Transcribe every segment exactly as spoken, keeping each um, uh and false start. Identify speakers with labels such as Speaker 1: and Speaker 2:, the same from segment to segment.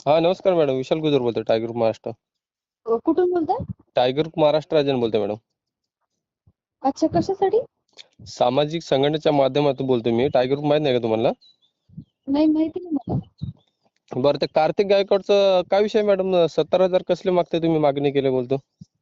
Speaker 1: हा नमस्कार मॅडम, विशाल गुजर बोलतोय टायगर ग्रुप महाराष्ट्र.
Speaker 2: अ, कुठून बोलताय?
Speaker 1: टायगर ग्रुप महाराष्ट्र राजन बोलतोय मॅडम.
Speaker 2: अच्छा, कशासाठी?
Speaker 1: सामाजिक संघटनेच्या माध्यमातून बोलतोय मी. टायगर ग्रुप माहित नाही का तुम्हाला?
Speaker 2: नाही, माहिती नाही मला.
Speaker 1: बरं, ते कार्तिक गायकवाडचं काय विषय मॅडम? सत्तर हजार कसले मागताय तुम्ही? मागणी केली बोलतो.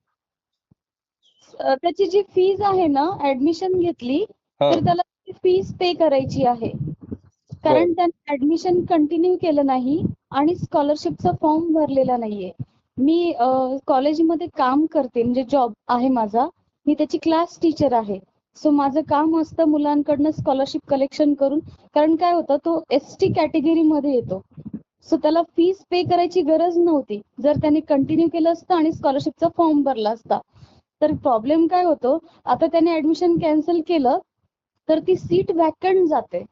Speaker 2: अ, त्याची जी फीज आहे ना, ऍडमिशन घेतली
Speaker 1: हा
Speaker 2: तर त्याला फीज पे करायची आहे.
Speaker 1: बर
Speaker 2: कारण त्याने ऍडमिशन कंटिन्यू केलं नाही आणि स्कॉलरशिपचा फॉर्म भरलेला नाहीये. मी अ, कॉलेजमध्ये काम करते, म्हणजे जॉब आहे माझा. मी त्याची क्लास टीचर आहे. सो माझं काम असतं मुलांकडनं स्कॉलरशिप कलेक्शन करून. कारण काय होतं, तो एस टी कॅटेगरीमध्ये येतो. सो त्याला फीस पे करायची गरज नव्हती, जर त्याने कंटिन्यू केलं असतं आणि स्कॉलरशिपचा फॉर्म भरला असता. तर प्रॉब्लेम काय होतो, आता त्याने ऍडमिशन कॅन्सल केलं तर ती सीट वॅकंट जाते.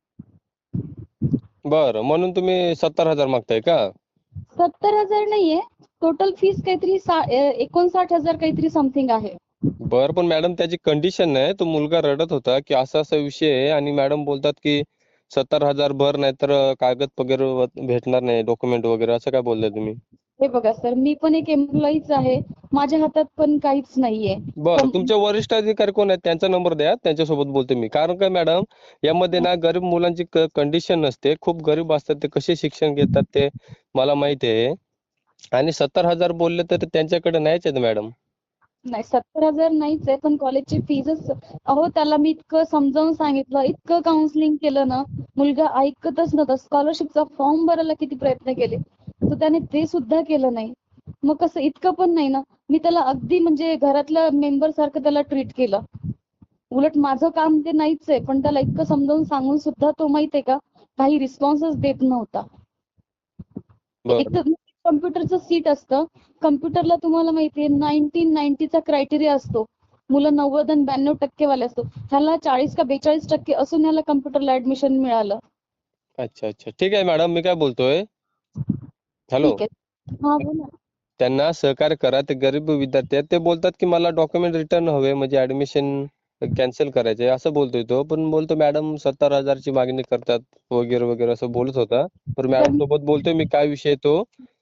Speaker 1: बर म्हणून तुम्ही सत्तर हजार मागताय का?
Speaker 2: सत्तर हजार नाहीये, टोटल फीस काहीतरी सा- अ, एकोणसाठ हजार काहीतरी समथिंग आहे.
Speaker 1: बर पण मॅडम त्याची कंडिशन नाही, तो मुलगा रडत होता की असा असा विषय आहे आणि मॅडम बोलतात की सत्तर हजार भर नाही तर कागद वगैरे भेटणार नाही, डॉक्युमेंट वगैरे, असं काय बोलताय तुम्ही?
Speaker 2: हे बघा सर, मी पण एक एम्प्लॉईच आहे. माझ्या हातात पण काहीच नाहीये.
Speaker 1: बरं,
Speaker 2: कम-
Speaker 1: तुमचे वरिष्ठ अधिकारी कोण आहेत? त्यांचा नंबर द्या, त्यांच्यासोबत बोलतो मी. कारण काय मॅडम, यामध्ये ना गरीब मुलांची कंडिशन नसते, खूप गरीब असतात, ते कसे शिक्षण घेतात ते मला माहिती आहे. आणि सत्तर हजार बोलले तर त्यांच्याकडे नाहीच आहेत मॅडम.
Speaker 2: नाही, सत्तर हजार नाहीच आहे, पण कॉलेजची फीजच. अहो, त्याला मी इतकं समजावून सांगितलं, इतकं काउन्सिलिंग केलं ना, मुलगा ऐकतच नव्हता. स्कॉलरशिपचा फॉर्म भरायला किती प्रयत्न केले, तर त्याने ते सुद्धा केलं नाही. मग कसं, इतकं पण नाही ना. मी त्याला अगदी म्हणजे घरातल्या मेंबर सारखं त्याला ट्रीट केलं. उलट माझं काम ते नाहीच आहे, पण त्याला इतकं समजावून सांगून सुद्धा तो, माहितीये का, काही रिस्पॉन्सच देत नव्हता. एक
Speaker 1: बरं
Speaker 2: तर कम्प्युटरचं सीट असतं. कम्प्युटरला तुम्हाला माहितीये नाईन्टीन नाईन्टीचा क्रायटेरिया असतो. मुलं नव्वद आणि ब्याण्णव टक्केवाले असतो. ह्याला चाळीस का बेचाळीस टक्के असून ह्याला कम्प्युटरला ऍडमिशन मिळालं.
Speaker 1: अच्छा अच्छा, ठीक आहे मॅडम, मी काय बोलतोय, हॅलो,
Speaker 2: ठीक आहे, हा बोला.
Speaker 1: त्यांना सहकार्य करा. ते गरीब विद्यार्थी आहेत, ते बोलतात की मला डॉक्युमेंट रिटर्न हवे, म्हणजे ऍडमिशन कॅन्सल करायचे असं बोलतोय तो. पण बोलतो मॅडम सत्तर हजारची मागणी करतात वगैरे वगैरे असं बोलत होता. तर
Speaker 2: तर
Speaker 1: मॅडम सोबत बोलतोय मी, काय विषय तो.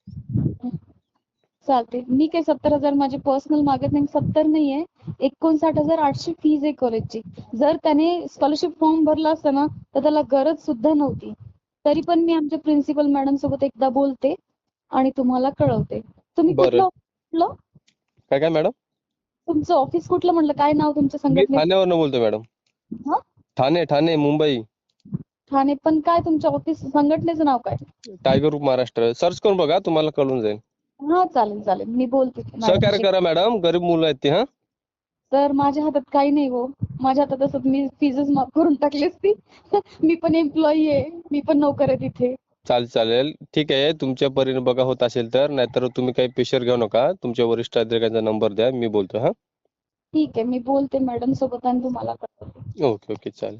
Speaker 2: चालते, मी काही सत्तर हजार माझे पर्सनल मागत नाही. सत्तर नाहीये, एकोणसाठ हजार आठशे फीज आहे कॉलेजची. जर त्याने स्कॉलरशिप फॉर्म भरला असता ना, तर त्याला गरज सुद्धा नव्हती. तरी पण मी आमच्या प्रिन्सिपल मॅडम सोबत एकदा बोलते आणि तुम्हाला कळवते. तुम्ही
Speaker 1: बरं,
Speaker 2: कुठलं कुठलं
Speaker 1: काय काय मॅडम?
Speaker 2: तुमचं ऑफिस कुठलं म्हटलं? काय नाव तुमच्या
Speaker 1: मी
Speaker 2: संघटनेचं?
Speaker 1: ठाण्यावरनं बोलतोय मॅडम.
Speaker 2: हा,
Speaker 1: ठाणे ठाणे मुंबई.
Speaker 2: ठाणे. पण काय तुमच्या ऑफिस संघटनेचं नाव काय?
Speaker 1: टायगर ग्रुप महाराष्ट्र सर्च करून बघा, तुम्हाला कळून जाईल.
Speaker 2: हा, चालेल चालेल, मी बोलते
Speaker 1: सहकार्य
Speaker 2: मॅडमशी.
Speaker 1: करा मॅडम, गरीब मुलं आहेत ती. हा,
Speaker 2: तर माझ्या हातात काही नाही हो. माझ्या हातात असं मी फीजच माफ करून टाकली असती. मी पण एम्प्लॉई आहे, मी पण नोकर आहे तिथे.
Speaker 1: चालेल चालेल, ठीक आहे. तुमच्या परीने बघा होत असेल तर, नाहीतर तुम्ही काही प्रेशर घेऊ नका. तुमच्या वरिष्ठ अधिकाऱ्यांचा नंबर द्या, मी बोलतो. हा,
Speaker 2: ठीक आहे, मी बोलते मॅडम सोबत आणि तुम्हाला कळवते.
Speaker 1: ओके ओके, चालेल.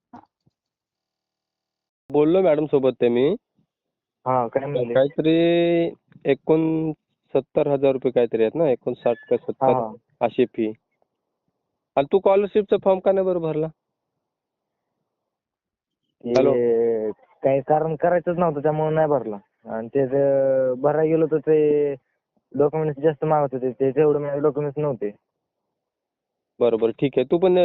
Speaker 1: बोललो मॅडम सोबत ते मी.
Speaker 3: हा, काय म्हणले?
Speaker 1: काहीतरी एकोणसत्तर हजार रुपये काहीतरी आहेत ना, एकोणसाठ का
Speaker 3: हा
Speaker 1: सत्तर
Speaker 3: हा
Speaker 1: अशी फी. आणि तू स्कॉलरशिपचा फॉर्म का नाही बरं भरला? हॅलो,
Speaker 3: ते काही कारण करायचंच नव्हतं, त्यामुळे नाही भरला. आणि ते जे भरायला गेलो तर ते डॉक्युमेंट्स जास्त मागत होते, ते तेवढे माझे डॉक्युमेंट्स नव्हते.
Speaker 1: बरोबर, ठीक आहे. तू पण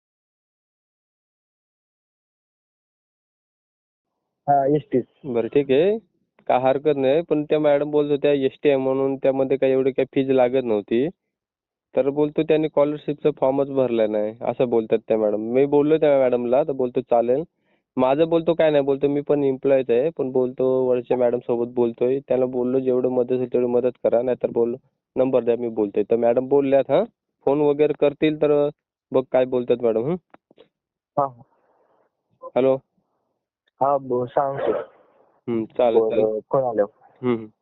Speaker 3: हा, एसटीच.
Speaker 1: बरं, ठीक आहे, काय हरकत नाही. पण त्या मॅडम बोलत होत्या एस टी आहे म्हणून त्यामध्ये काही एवढी काही फीज लागत नव्हती. तर बोलतो त्यांनी स्कॉलरशिपचा फॉर्मच भरला नाही असं बोलतात त्या मॅडम. मी बोललो त्या मॅडमला, तर बोलतो चालेल. माझं बोलतो काय नाही, बोलतो मी पण एम्प्लॉईच आहे, पण बोलतो वरच्या मॅडम सोबत बोलतोय. त्याला बोललो जेवढं मदत होईल तेवढी मदत करा, नाहीतर बोललो नंबर द्या, मी बोलतोय. तर मॅडम बोलल्यात, हा फोन वगैरे करतील तर बघ काय बोलतात मॅडम. हं,
Speaker 3: हा
Speaker 1: हॅलो,
Speaker 3: हा, ब- सांगतो.
Speaker 1: हं, चालेल चालेल.
Speaker 3: बरं, फोन आल्यावर.
Speaker 1: हं हं.